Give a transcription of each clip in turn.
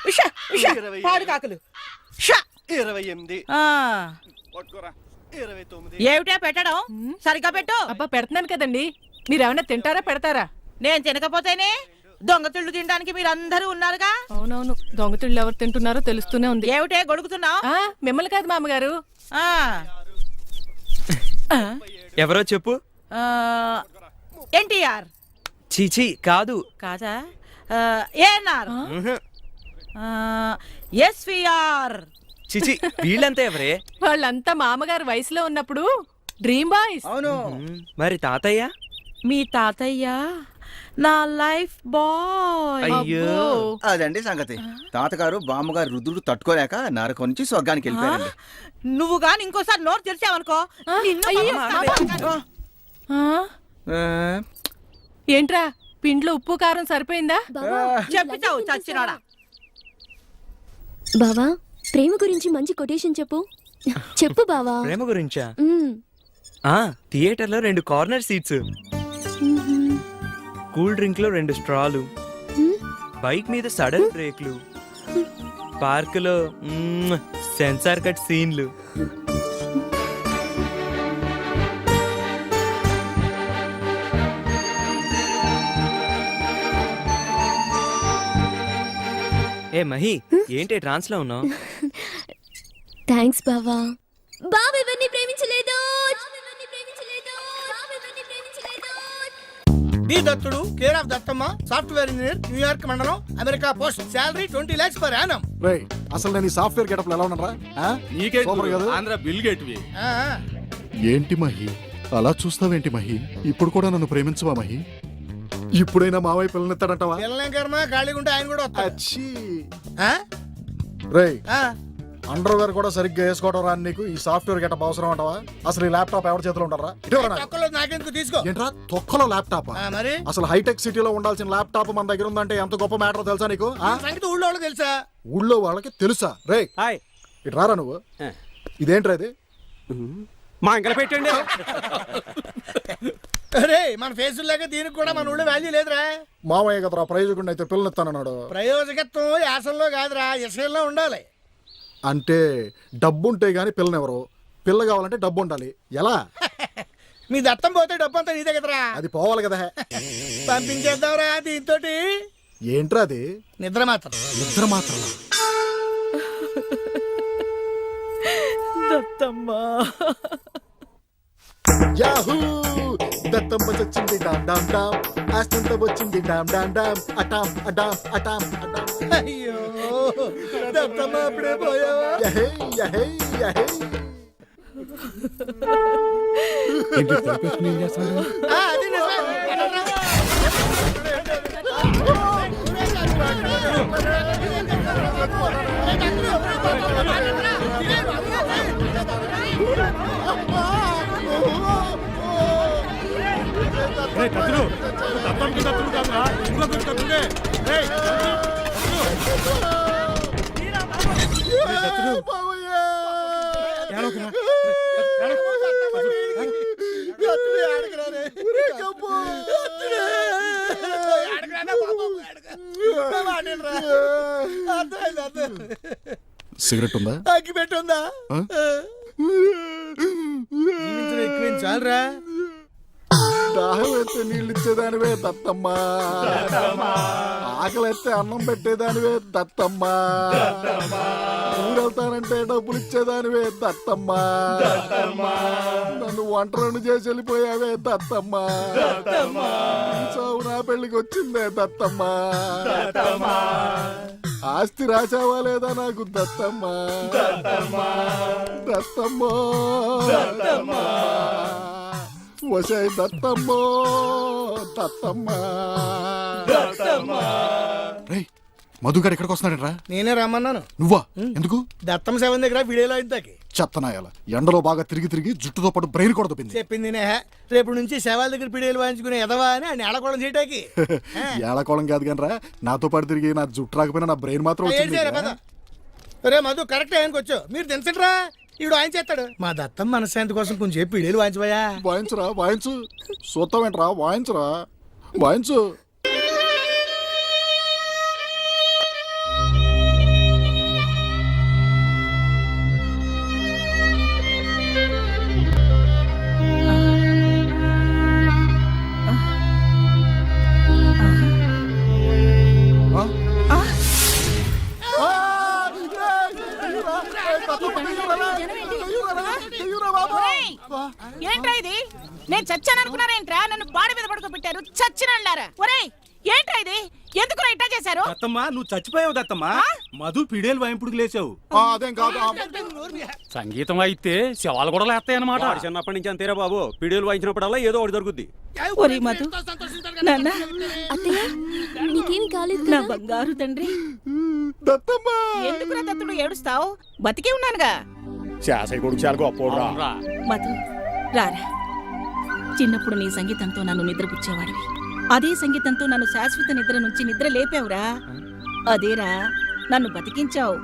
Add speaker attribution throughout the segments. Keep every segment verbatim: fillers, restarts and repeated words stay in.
Speaker 1: పాడు కాకులు
Speaker 2: ఇరవై ఎనిమిది ఇరవై తొమ్మిది.
Speaker 1: ఏమిటా పెట్టడం? సరిగ్గా పెట్టు.
Speaker 3: అబ్బా పెడుతున్నాను కదండి, మీరేమన్నా తింటారా పెడతారా?
Speaker 1: నేను తినకపోతేనే దొంగతిళ్ళు తినడానికి మీరందరూ ఉన్నారుగా.
Speaker 3: అవునవును, దొంగతిళ్ళు ఎవరు తింటున్నారో తెలుస్తూనే ఉంది.
Speaker 1: ఏమిటే గొడుగుతున్నావు?
Speaker 3: మిమ్మల్ని కాదు మామగారు.
Speaker 4: ఎవరో చెప్పు.
Speaker 1: ఎన్టీఆర్.
Speaker 4: చీచీ కాదు.
Speaker 1: కాదా? ఏఎన్ఆర్. ఎస్విఆర్.
Speaker 4: చిచి వీళ్ళంతా ఎవరే?
Speaker 3: వాళ్ళంతా మామగారు వయసులో ఉన్నప్పుడు డ్రీమ్ బాయ్స్.
Speaker 2: అవును.
Speaker 4: మరి తాతయ్య?
Speaker 1: మీ తాతయ్య నా లైఫ్ బాయ్.
Speaker 4: అయ్యో
Speaker 2: అదండి సంగతి. తాతగారు బామ్మగారు రుద్రుడు తట్టుకోలేక నరకం నుంచి స్వర్గానికి వెళ్ళిపోయారండి.
Speaker 1: నువ్వు గాని ఇంకోసారి నోరు తెరిచావనుకో.
Speaker 3: ఏంట్రా పిండ్లో ఉప్పు కారం సరిపోయిందా?
Speaker 1: చెప్పిచావు చచ్చినాడా.
Speaker 5: బావా ప్రేమ గురించి మంచి కొటేషన్ చెప్పు. చెప్పు బావా.
Speaker 4: ప్రేమ గురించా? ఆ థియేటర్ లో రెండు కార్నర్ సీట్స్, కూల్ డ్రింక్ లో రెండు స్ట్రాలు, బైక్ మీద సడన్ బ్రేక్లు, పార్క్ లో సెన్సార్ కట్ సీన్లు. ఏ మహి, ఏంటి ట్రాన్స్ లో ఉన్నావు?
Speaker 5: థ్యాంక్స్ బావా. బావ ఇవన్నీ ప్రేమించలేదు.
Speaker 6: డి దత్తుడు, care of Dattamma, software engineer, New York మండలం, America post, salary twenty lakhs per annum.
Speaker 7: రేయ్ అసలు నేను ఈ సాఫ్ట్వేర్ గెటప్ ఎలా ఉన్నారా?
Speaker 8: నీకే ఆంధ్ర బిల్ గేట్వి.
Speaker 7: ఏంటి మహి అలా చూస్తావేంటి మహి? ఇప్పుడు కూడా నన్ను ప్రేమించవా మహి? ఇప్పుడైనా మావయ్య పిల్లనెత్తాడంటావా?
Speaker 6: పిల్లనే కర్మ, ఖాళీగా ఉంటే ఆయన కూడా వస్తాడు.
Speaker 7: రేయ్ అండర్ వేర్ కూడా సరిగ్గా వేసుకోవడం రాని నీకు ఈ సాఫ్ట్వేర్ గెటప్ అవసరం అంటావా? అసలు ఈ ల్యాప్టాప్ ఎవరి చేతిలో ఉంటారా?
Speaker 6: నాకెందుకు తీసుకో.
Speaker 7: ఏంట్రా తొక్కలో ల్యాప్టాప్?
Speaker 6: మరి
Speaker 7: అసలు హైటెక్ సిటీలో ఉండాల్సిన ల్యాప్టాప్ మన దగ్గర ఉందంటే ఎంత గొప్ప మ్యాటర్ తెలుసా నీకు?
Speaker 6: సంగతి ఊళ్ళో వాళ్ళకి తెలుసా?
Speaker 7: ఊళ్ళో వాళ్ళకి తెలుసా? రే ఇటు రారా నువ్వు. ఇదేంట్రా ఇది?
Speaker 8: మా ఇంకలు పెట్టండి.
Speaker 6: అరే మన ఫేసుల్లాగా దీనికి కూడా మన ఊళ్ళో వాల్యూ లేదురా.
Speaker 7: మామయ్య కదరా ప్రయోజకుడిని అయితే పిల్లనెత్తానన్నాడు.
Speaker 6: ప్రయోజకత్వం యాసంలో కాదురా, యశంలో ఉండాలి.
Speaker 7: అంటే డబ్బు ఉంటే గానీ పిల్లనెవరు? పిల్ల కావాలంటే డబ్బు ఉండాలి. ఎలా?
Speaker 6: మీ దత్తం పోతే డబ్బు అంతా నీదే కదరా.
Speaker 7: అది పోవాలి కదా.
Speaker 6: పంపించేద్దాంరా దీంతో.
Speaker 7: ఏంట్రా అది?
Speaker 6: నిద్ర మాత్రం.
Speaker 7: నిద్ర మాత్రం.
Speaker 1: దత్తమ్మా
Speaker 7: యాహూ దత్తమ్మ చచ్చింది డామ్ డామ్ డామ్, ఆస్తంతా వచ్చింది డామ్ డామ్ డామ్, అటామ్ అడామ్ అటామ్ అడామ్.
Speaker 6: అయ్యో దత్తమ్మ అప్పుడే పోయావా?
Speaker 7: యహే యహే యహే.
Speaker 6: అది నిజమే.
Speaker 7: సిగరెట్ ఉందా?
Speaker 6: అగ్గి పెట్టుందా? చాలరా.
Speaker 7: దాహం ఎత్తే నీళ్ళు ఇచ్చేదానివే దత్తమ్మా, ఆకలి ఎత్తే అన్నం పెట్టేదానివే దత్తమ్మా, ఊరెళ్తానంటే డబ్బులు ఇచ్చేదానివే దత్తమ్మా, నన్ను ఒంటరిని చేసి వెళ్ళిపోయావే దత్తమ్మా, చావు నా పెళ్లికి వచ్చిందే దత్తమ్మా, ఆస్తి రాసావా లేదా నాకు దత్తమ్మా, దత్తమ్మా వసే దత్తమ్మో దత్తమ్మా. మధుగాడు ఎక్కడికి వస్తున్నాడరా?
Speaker 6: నేనే రమ్మన్నాను.
Speaker 7: నువ్వా? ఎందుకు?
Speaker 6: దత్తమ్మ సెవెన్ దగ్గర వీడియోలో ఇంతకి
Speaker 7: చెత్తనాయాల ఎండలో బాగా తిరిగి తిరిగి జుట్టుతో పాటు బ్రెయిన్ కూడా దొబ్బింది.
Speaker 6: చెప్పింది రేపు నుంచి శవాల దగ్గర పిడియలు వాయించుకునే ఎదవా అని ఆయన ఏడకోవడం చేయటానికి.
Speaker 7: ఏడకోవడం కాదు కానీ రా, నాతో పాటు తిరిగి నా జుట్టు రాకపోయినా నా బ్రెయిన్ మాత్రం వచ్చింది.
Speaker 6: రే మధు కరెక్ట్ ఆయనకి వచ్చు, మీరు తెలుసట్రా ఇప్పుడు ఆయన చేస్తాడు. మా దత్తం మనశ్శాంతి కోసం కొంచెం పిడియలు వాయించబోయా.
Speaker 7: వాయించరా వాయించు. చూస్తావేంట్రా? వాయించరా వాయించు.
Speaker 1: ఏంట్రా ఇది నేను చచ్చాను అనుకున్నారేంట్రా నన్ను బాడి మీద పడుకోబెట్టారు చచ్చినళ్ళారా ఒరేయ్ ఏంట్రా ఇది ఎందుకు ఇట్టా చేశారు
Speaker 8: దత్తమ్మా నువ్వు చచ్చిపోయావు దత్తమ్మా మధు పిడేలు వాయింపుడికి లేచావు
Speaker 7: ఆ, అదేం కాదు ఆ,
Speaker 8: సంగీతం అయితే శవాలు కూడా లేస్తాయన్నమాట చిన్నప్పటి నుంచి అంతేరా బాబు పిడేలు వాయించినప్పుడల్లా ఏదో ఒకటి దొరుకుద్ది
Speaker 1: ఒరే మధు నాన్న
Speaker 5: అత్తయ్య నీకేమి కాలేదు
Speaker 1: నా
Speaker 5: కదా?
Speaker 1: బంగారు తండ్రి
Speaker 7: దత్తమ్మా
Speaker 1: ఎందుకురా దత్తుడు ఏడుస్తావు బతికే ఉన్నానుగా
Speaker 7: శాసయ్య కొడుకు చాలా గొప్పోడురా.
Speaker 1: మధు రారా చిన్నప్పుడు నీ సంగీతంతో నన్ను నిద్రపుచ్చేవాడివి అదే సంగీతంతో నన్ను శాశ్వత నిద్ర నుంచి నిద్ర లేపావురా అదేరా నన్ను బతికించావు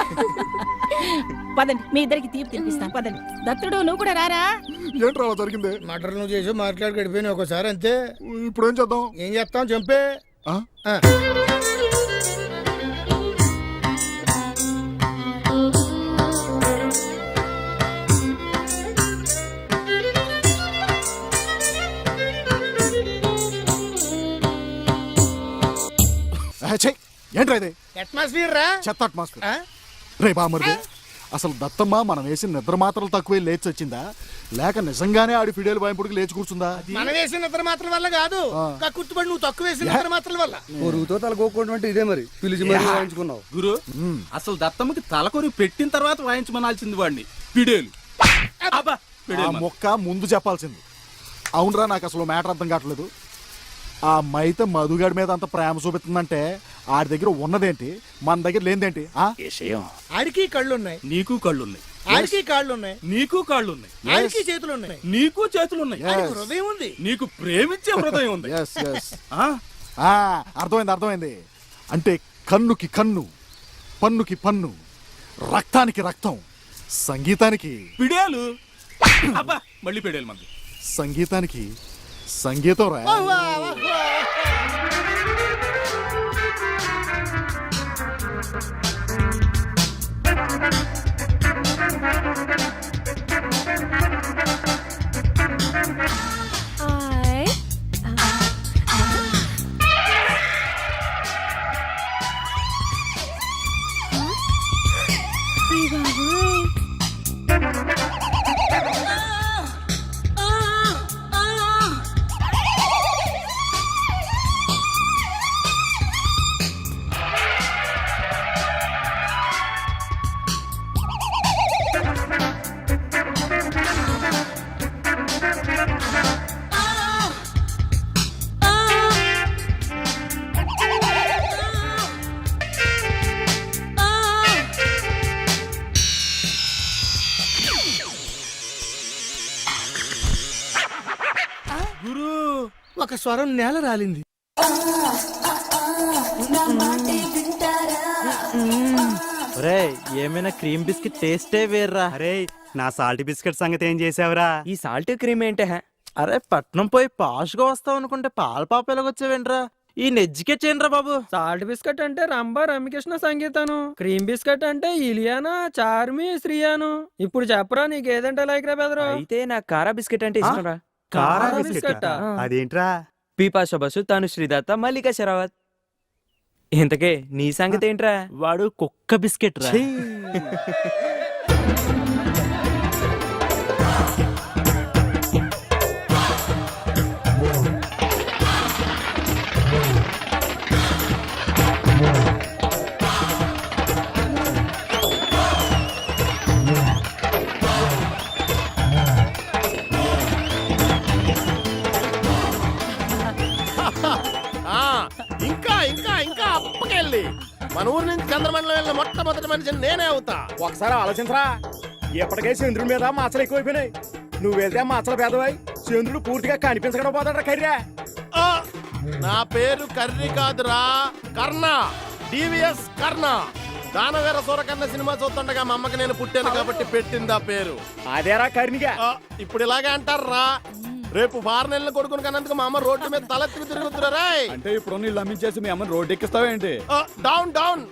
Speaker 1: పదండి మీ ఇద్దరికి తీపి తినిపిస్తాను పదండి దత్తుడు నువ్వు కూడా రారా
Speaker 7: ఏంట్రా అలా జరిగింది?
Speaker 6: మటర్ నువ్వు చేసి మాట్లాడి గడిపోయినా ఒకసారి అంతే.
Speaker 7: ఇప్పుడు ఏం చేద్దాం?
Speaker 6: ఏం చేస్తాం చంపే.
Speaker 7: ఆ?
Speaker 6: ఆ.
Speaker 7: ఆ, ఛీ! ఏంట్రా ఇది?
Speaker 6: అట్మాస్ఫియర్ రా.
Speaker 7: చెత్త అట్మాస్ఫియర్.
Speaker 6: ఆ?
Speaker 7: రే బామరిది, అసలు దత్తమ్మ మనం వేసిన నిద్ర మాత్రలు తక్కువే లేచి వచ్చిందా లేక నిజంగానే ఆడి ఫిడేలు వాయింపుడికి లేచి కూర్చుందా?
Speaker 6: మనం వేసిన నిద్ర మాత్రల వల్ల కాదు కక్కుర్తిపడి నువ్వు తక్కువ వేసిన నిద్ర మాత్రల వల్ల.
Speaker 9: పొరుగుతో తలకోకుండా ఇదే మరి పిలిచి మరి వాయించుకున్నావు.
Speaker 8: గురు అసలు దత్తమ్మకి తలకొరి పెట్టిన తర్వాత వాయించమనాల్సింది వాడిని పిడేలు అబ్బా
Speaker 7: ఆ
Speaker 8: పిడేలు మన.
Speaker 7: మొక్క ముందు చెప్పాల్సింది. అవునరా, నాకు అసలు మ్యాటర్ అర్థం కావట్లేదు. ఆ మైత మధుగాడి మీద అంత ప్రేమ చూపిస్తుందంటే ఆడి దగ్గర ఉన్నదేంటి మన దగ్గర లేనిదేంటి? ఆ
Speaker 6: ఆడికి కళ్ళు ఉన్నాయి,
Speaker 8: నీకు కళ్ళున్నాయి,
Speaker 6: ఆడికి కాళ్ళు ఉన్నాయి,
Speaker 8: నీకు కాళ్ళున్నాయి,
Speaker 6: ఆడికి చేతులు ఉన్నాయి,
Speaker 8: నీకు చేతులున్నాయి,
Speaker 6: ఆడికి హృదయం ఉంది.
Speaker 8: నీకు ప్రేమించే హృదయం ఉంది.
Speaker 7: Yes, yes.
Speaker 8: ఆ?
Speaker 7: ఆ, అర్థమైంది అర్థమైంది. అంటే కన్నుకి కన్ను, పన్నుకి పన్ను, రక్తానికి రక్తం, సంగీతానికి
Speaker 8: పిడేలు అబ్బా మళ్ళీ పిడేలు మంది.
Speaker 7: సంగీతానికి సంగీతం రా.
Speaker 5: ఆయ్. అయ్ బాబోయ్.
Speaker 8: గురు
Speaker 6: ఒక స్వరం నేల రాలింది.
Speaker 4: రే ఏమైనా క్రీమ్ బిస్కెట్ టేస్టే వేర్రా.
Speaker 9: అరే నా సాల్ట్ బిస్కెట్ సంగతి ఏం చేసావురా?
Speaker 4: ఈ సాల్ట్ క్రీమ్ ఏంటే హే? అరే పట్నం పోయి పాష్ గా వస్తావు అనుకుంటే పాల పాప ఎలాగొచ్చావేంట్రా? ఈ నెజ్జికెట్ చేయండిరా బాబు.
Speaker 10: సాల్ట్ బిస్కెట్ అంటే రంభ రమ్యకృష్ణ సంగీతాను, క్రీమ్ బిస్కెట్ అంటే ఇలియానా చార్మి శ్రీయాను. ఇప్పుడు చెప్పరా నీకు ఏదంటే లైక్ రా బెదరు?
Speaker 4: అయితే నాకు కారా బిస్కెట్ అంటే ఇష్టం రా.
Speaker 10: కారా
Speaker 9: కారా
Speaker 10: బిస్కెట్టా?
Speaker 9: బిస్కెట్టా? అదేంట్రా?
Speaker 4: పీపాష బసు తను శ్రీదత్త మల్లికా శరావత్. ఇంతకే నీ సంగతి ఏంట్రా?
Speaker 9: వాడు కుక్క బిస్కెట్ రా.
Speaker 8: ఇంకా ఇంకా ఇంకా అప్పకెళ్ళి మన ఊరు నుంచి చంద్రమండలం వెళ్ళిన మొట్టమొదటి మనిషిని నేనే అవుతా.
Speaker 9: ఒకసారి ఆలోచించరా, ఎప్పటికే చంద్రుడి మీద మాచలు ఎక్కువైపోయినాయి. నువ్వు వెళ్తే మాచల పేదవాయి, చంద్రుడు పూర్తిగా కనిపించకుండా పోతాడు కర్రా.
Speaker 8: ఆ, నా పేరు కర్రి కాదురా, కర్ణ, డివిఎస్ కర్ణ. దానవీర సూరకర్ణ సినిమా చూస్తుండగా మా అమ్మకి నేను పుట్టాను కాబట్టి పెట్టింది ఆ పేరు.
Speaker 9: అదేరా కర్ణిగా.
Speaker 8: ఆ, ఇప్పుడు ఇలాగే అంటారా? రేపు వారం నెలల కొడుకుని కన్నందుకు మా అమ్మ రోడ్డు మీద తలెత్తుకు తిరుగుతురా.
Speaker 9: అంటే ఇప్పుడు నీళ్ళు అమ్మించేసి మీ అమ్మని రోడ్డు ఎక్కిస్తావేంటి?
Speaker 8: Down down.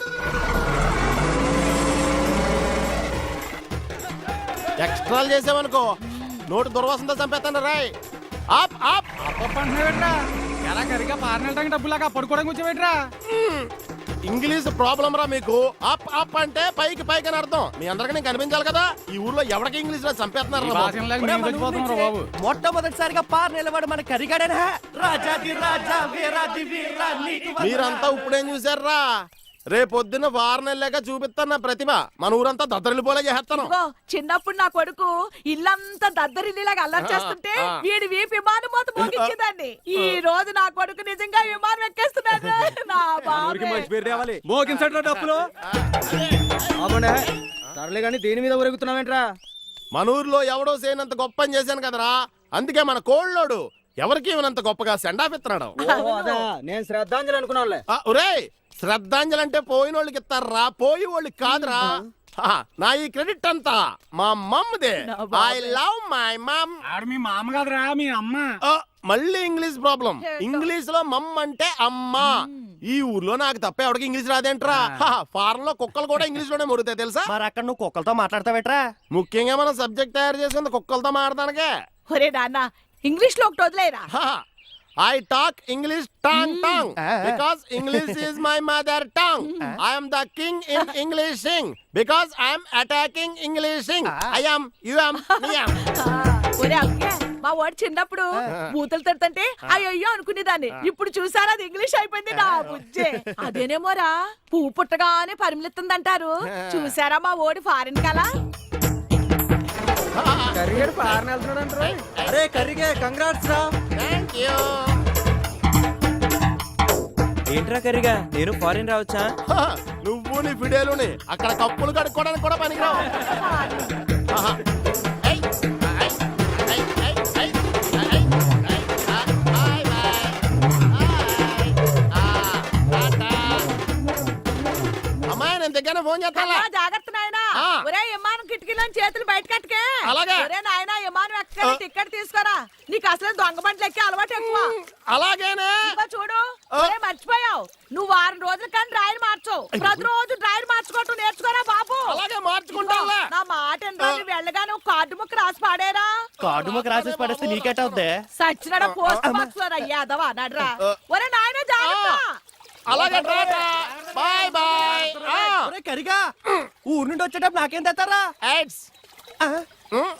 Speaker 8: ఎక్స్ట్రాలు చేసావనుకో నోటు దుర్వాసనతో చంపేస్తాను రాయ్. ఆప్ ఆప్
Speaker 10: ఎలా కరిగా పారనెళ్ళడానికి డబ్బులాగా పడుకోవడానికి వచ్చేవేట్రా?
Speaker 8: ఇంగ్లీష్ ప్రాబ్లం రా మీకు. అప్ అప్ అంటే పైకి పైకి అని అర్థం. మీ అందరికీ నేను కనిపించాలి కదా. ఈ ఊర్లో ఎవరికి ఇంగ్లీష్ లో చంపేస్తున్నారు రా బాబు.
Speaker 10: మొట్టమొదటిసారిగా పార్ నిలబడి మన కరిగాడేనా రాజాది రాజా వీరాది వీరా
Speaker 8: మీరంతా ఇప్పుడేం చూసారా? రేపొద్దున వారం నెలలేక చూపిస్తాను నా ప్రతిభ. మన ఊరంతా దద్దరిల్లిపోలే చేస్తాను.
Speaker 3: ఇదిగో, చిన్నప్పుడు నా కొడుకు ఇల్లంతా దద్దరిల్లిలాగా అల్లరి చేస్తుంటే
Speaker 8: ఆ.
Speaker 3: వీడి వీపు విమానం మొత్తం మోగించేదాన్ని. ఈ రోజు నా కొడుకు నిజంగా విమానం ఎక్కేస్తున్నాడు. నా బాబే.
Speaker 10: మోగించట్రా డబ్బులు అవునే సర్లే గాని దేని మీద ఊరెగుతున్నావేంట్రా
Speaker 8: మన ఊర్లో ఎవడో చేయనంత గొప్ప పని చేశాను కదరా. అందుకే మన కోళ్ళోడు ఎవరికి ఇవ్వనంత గొప్పగా సెండాఫ్ ఇస్తున్నాడు.
Speaker 10: అదా నేను శ్రద్ధాంజలి అనుకున్నావులే
Speaker 8: ఆ, ఒరేయ్ శ్రద్ధాంజలి అంటే పోయిన వాళ్ళకి ఇస్తారా, పోయి వాళ్ళకి కాదురా. ఆ, నా ఈ క్రెడిట్ అంతా మా మమ్మదే. I love my mom.
Speaker 9: మీ మామ కాదురా మీ అమ్మ.
Speaker 8: మళ్ళీ ఇంగ్లీష్ ప్రాబ్లం. ఇంగ్లీష్ లో మమ్ అంటే అమ్మ. ఈ ఊర్లో నాకు తప్ప ఎవరికి ఇంగ్లీష్ రాదేంట్రా. ఫారెన్ లో కుక్కలు కూడా ఇంగ్లీష్ లోనే మురుగుతాయి తెలుసా.
Speaker 10: మరి అక్కడ నువ్వు కుక్కలతో మాట్లాడతావేట్రా
Speaker 8: ముఖ్యంగా మనం సబ్జెక్ట్ తయారు చేసింది కుక్కలతో మాట్లాడటానికే.
Speaker 3: ఒరే నాన్న ఇంగ్లీష్ లో ఒకటి వదిలేరా.
Speaker 8: I talk English tongue tongue because English is my mother tongue. I am the king in Englishing because I am attacking Englishing. I am, you am, me am.
Speaker 3: ఒరే అక్కే మా వాడు చిన్నప్పుడు బూతులు తిడుతుంటే అయ్యో అనుకునేదాన్ని. ఇప్పుడు చూసారా అది ఇంగ్లీష్ అయిపోయింది నా బుజ్జే. అదేనేమోరా పువ్వు పుట్టగానే పరిమిలిస్తుందంటారు. చూసారా మా ఓడి ఫారిన్ కలా.
Speaker 10: కరిగాడు పారని వెళ్తున్నాడు అరే కరిగే కంగ్రాట్స్ రా
Speaker 8: Thank you.
Speaker 4: ఏంట్రా కర్రీగా నేను ఫారిన్ రావచ్చా?
Speaker 8: నువ్వు నీ ఫిడేలుని అక్కడ కప్పులు కడుక్కోవడానికి కూడా పనికిరావు. ఆహా. ఏయ్, ఏయ్, ఏయ్, ఏయ్, ఏయ్, ఏయ్, ఏయ్, ఆ, బాయ్, బాయ్. బాయ్. ఆ, టాటా. అమ్మాయి నేను దగ్గర ఫోన్ చేస్తాను.
Speaker 3: అమ్మా, జాగ్రత్త నాయనా.
Speaker 8: ఆ.
Speaker 3: ఒరే విమానం కిటికీలో చేతులు బయట కట్టుకే.
Speaker 8: అలాగే.
Speaker 3: ఒరే నాయనా విమానం ఎక్కడ టికెట్ తీసుకోరా. నీకు అసలు దొంగ బండ్లు ఎక్కి అలవాటు ఎక్కువ.
Speaker 8: అలాగేనే.
Speaker 3: ఇదిగో చూడు
Speaker 8: ఆ.
Speaker 3: ఒరే మర్చిపోయావు. నువ్వు వారం రోజులు కానీ డ్రైవర్ మార్చు. ప్రతిరోజు డ్రైవర్ మార్చుకోవటం నేర్చుకోరా బాబు.
Speaker 8: అలాగే మార్చుకుంటావులే.
Speaker 3: నా మాట ఏంట్రా, నువ్వు వెళ్ళగా నువ్వు కార్డు ముక్క రాసి పాడేరా.
Speaker 10: కార్డు మాకు రాసేసి పడేస్తే నీకెట్ అవుద్దే
Speaker 3: సచ్చినడ పోస్ట్ బాక్స్ లో అయ్యాదవా నడ్రా. ఒరే నాయన జాగ్రత్త.
Speaker 8: అలాగే టాటా. Bye bye. ఆ.
Speaker 10: కరిగా ఊరు నుండి వచ్చేటప్పుడు నాకేం తెస్తారా
Speaker 8: ఎయిడ్స్. ఉమ్.